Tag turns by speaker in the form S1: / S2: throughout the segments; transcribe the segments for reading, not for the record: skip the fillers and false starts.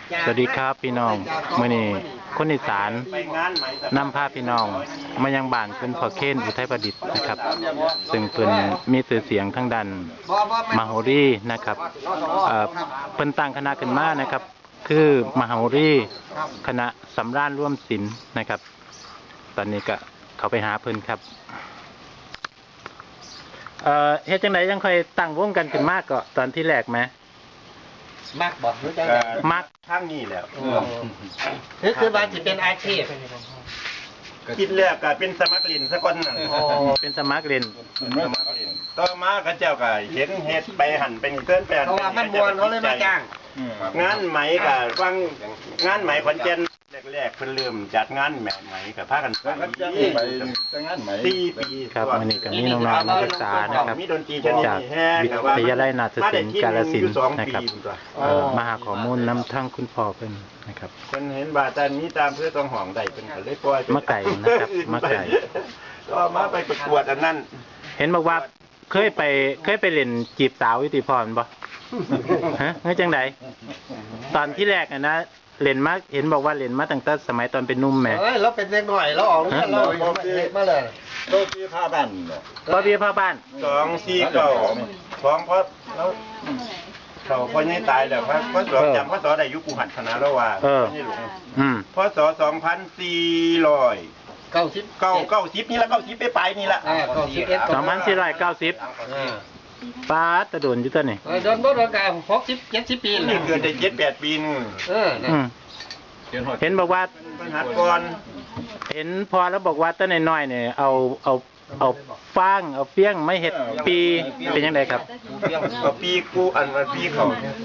S1: สวัสดีครับพี่น้องมื้อนี้คนอีสานนำพาพี่น้องมายังบ้านคุณพ่อเคนอุทัยประดิษฐ์นะครับซึ่งเป็นมีชื่อเสียงทั้งด้านมโหรีนะครับเพิ่นตั้งคณะขึ้นมานะครับคือมโหรีคณะสำราญร่วมศิลป์นะครับตอนนี้ก็เขาไปหาเพิ่นครับเฮ็ดจังได๋ยังค่อยตั้งวงกันขึ้นมาก็ตอนที่แรกไหม
S2: มักบอกรู้จัก
S1: มัก
S3: ทั้งนี้แล้ว
S2: คือว่าจะเป็นอาชีพ
S3: คิดแรกก็เป็นสมัครเล่นซะก่อนนั่น
S1: เป็นสมัครเล่น
S3: ต่อมาก็เจ้าก็เห็นเฮ็ดไปหั่นเป็นเกินแปลน
S2: เพราะว่ามันมวนเขาเลยมาจ้าง
S3: งานไหมก็ฟังงานไหมขอนแก่นแรกๆเพิ่นเริ่มจัดงานไหมก็พากันไปงานไหม4 ปี
S1: ครับวันนี้ก็มีน้องๆนักศึกษานะครับจากวิทยาลัยนาฏศิลป์กาฬสินธุ์นะครับมาหาข้อมูลนำทั้งคุณพ่อเพิ่นนะครับ
S3: เพิ่นเห็นว่าแต่นี้ตามเพื่อต้องห้องได้เพิ่นก็เลยปล่อย
S1: มาไก่นะครับมาไก่
S3: ก็มาไปประกวดอันนั้น
S1: เห็นบอกว่าเคยไปเล่นจีบสาววิติพรบ่ฮะงั้นจังไดตอนที่แรกนะเล่นมาเห็นบอกว่าเล่นมาตั้งแต่สมัยตอนเป็นนุ่มแม่
S2: เราเป็นเด็กหน่อยเราออกเรามาเลย
S3: โตปีผ้าบ้าน
S1: ก็ปีผ้าบ้าน
S3: 249ของเพราะแล้วเขาพอนี่ตายแล้วเพราะจำพศได้ยุคกูหัดคณะแล้วว่านี่หลวงพศ2490นี่ละ90ไปปลายนี่ละ
S1: 2490ป้าตะโดนอยู่ตัวนี่
S2: โดนบ่โดนกัน60-70 ปี
S3: นี่เกิดได้7-8 ปีนึง
S1: เห็นบอกว่า
S3: หัดก่อน
S1: เห็นพอแล้วบอกว่าตั้งน้อยๆเนี่ยเอาฟางเอาเฟี้ยงไม่เห็ดปีเป็นยังไงครับ
S3: เอาปีกูอันปีเขา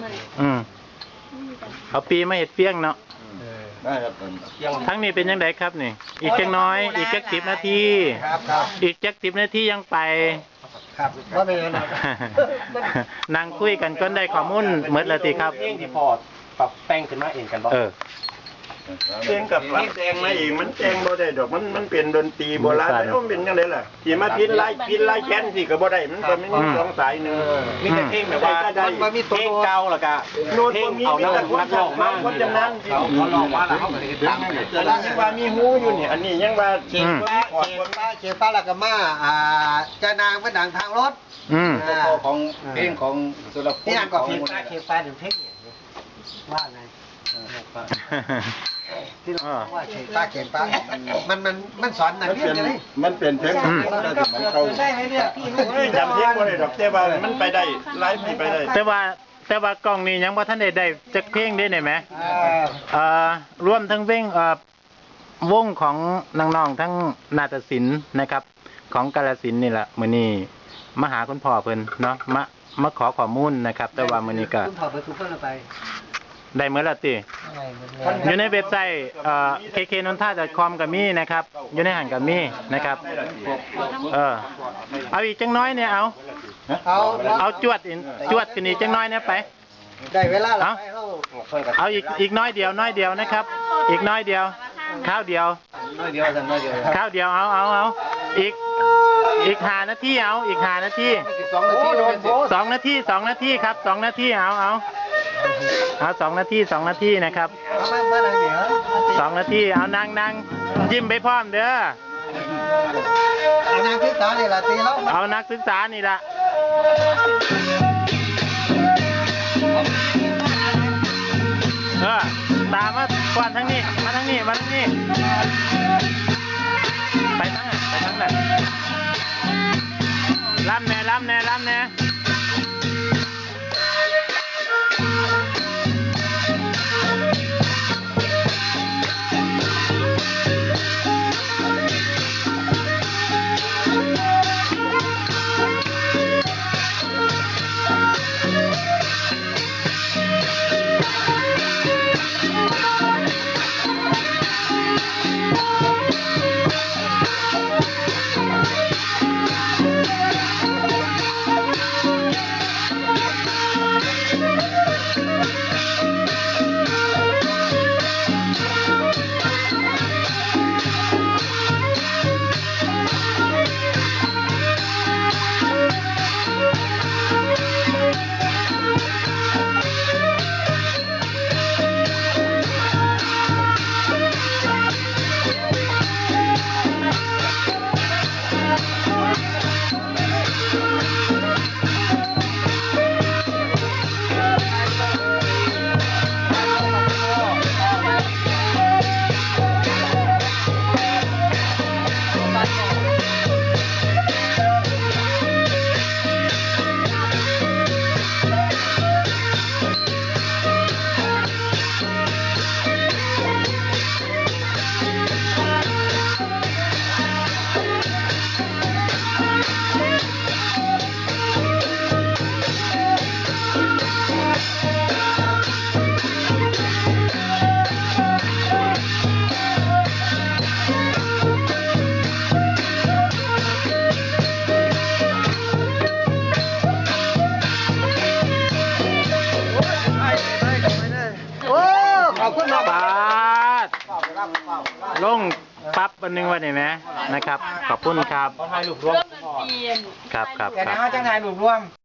S1: เอาปีไม่เห็ดเฟี้ยงเนาะทั้งนี้เป็นยังไงครับนี่อีกจังน้อยอีกจัก10 นาทีอีกจัก10 นาทียังไป
S2: ครับว่าเป็นยังไง
S1: นั่งคุยกันก็ได้ข้อมูลเหมือนละทีครับ
S2: ที่พอปรับแต่งขึ้นมาเองกันบ่
S3: เพลงกับปรับแต่งมาเองมันแต่งบ่ได้ดอกมันเป็นดนตรีโบราณแล้วมันเป็นยังไงล่ะที่มาพินไล่แค้นสิก็บ่ได้มันก็ไม่มี2 สายนึง
S2: มีแต่เพลงแบบว่ามันมีเพลงเก่าแล้วก็เพลงเอานักร้องมา
S3: คนจำนั้น
S2: เขาร้องมาแล้วเขาก็เฮ็ดตาม
S3: เกิดยังว่ามีฮู้อยู่นี่อันนี้ยังว่า
S2: เขียนฟ้าแล้วก็มาจะนางเป็นดังทางรถ
S3: ของเพลงของสุรพล
S2: นี่ก็เขียนฟ้าถึงเพลงว่าไงที่เราว่าเขียนป้ามันสอนหนังเรื่องอะไร
S3: มันเป็นเพลงมันเข้า
S2: ได้ไหมเนี่ยพี่
S3: จำเพลงบ่ได้ดอกแต่ว่ามันไปได้ไลฟ์ไปได้
S1: แต่ว่ากล้องนี้ยังบ่ทันได้จักเพลงได้ไหมรวมทั้งเพลงวงของน้องๆทั้งนาฏศิลป์นะครับของกาฬสินธุ์นี่แหละมื้อนี้มาหาคุณพ่อเพิ่นเนาะมาขอข้อมูลนะครับแต่ว่ามื้อนี้ก็
S2: คุณพ่อไปทุกคนไป
S1: ได้เมื่อละติอยู่ในเว็บไซต์kknonta.com ก็มีนะครับอยู่ในหันก็มีนะครับเอาอีกจังน้อยเนี่ยเอาจวดขึ้นอีกจังน้อยเนี่ยไป
S2: ได้เวลาแล้ว
S1: เอาอีกน้อยเดียวนะครับอีกน้อยเดียวข้าวเดียวเอาอีก5 นาทีเอาอีก5 นาที2 นาทีครับ2 นาทีเอา2 นาทีนะครับ2 นาทีเอานั่งยิ้มไปพร้อมเด้อ
S2: เอานักศึกษานี่ละตีแล้ว
S1: เอานักศึกษานี่ละตามมาก่อนทั้งนี้มาทั้งนี้ไปทั้งนั้นล้ำแน่
S4: อบคุณครับ
S1: ปาดลงปั๊บอันหนึงวันนี้ไหมนะครับ ขอบคุณครับ
S2: ถ่ายรูปรวม
S1: ครับครับ
S4: แต่
S1: ครั
S4: นะ
S1: บ
S4: เขาจะถ่ายรูปร่วม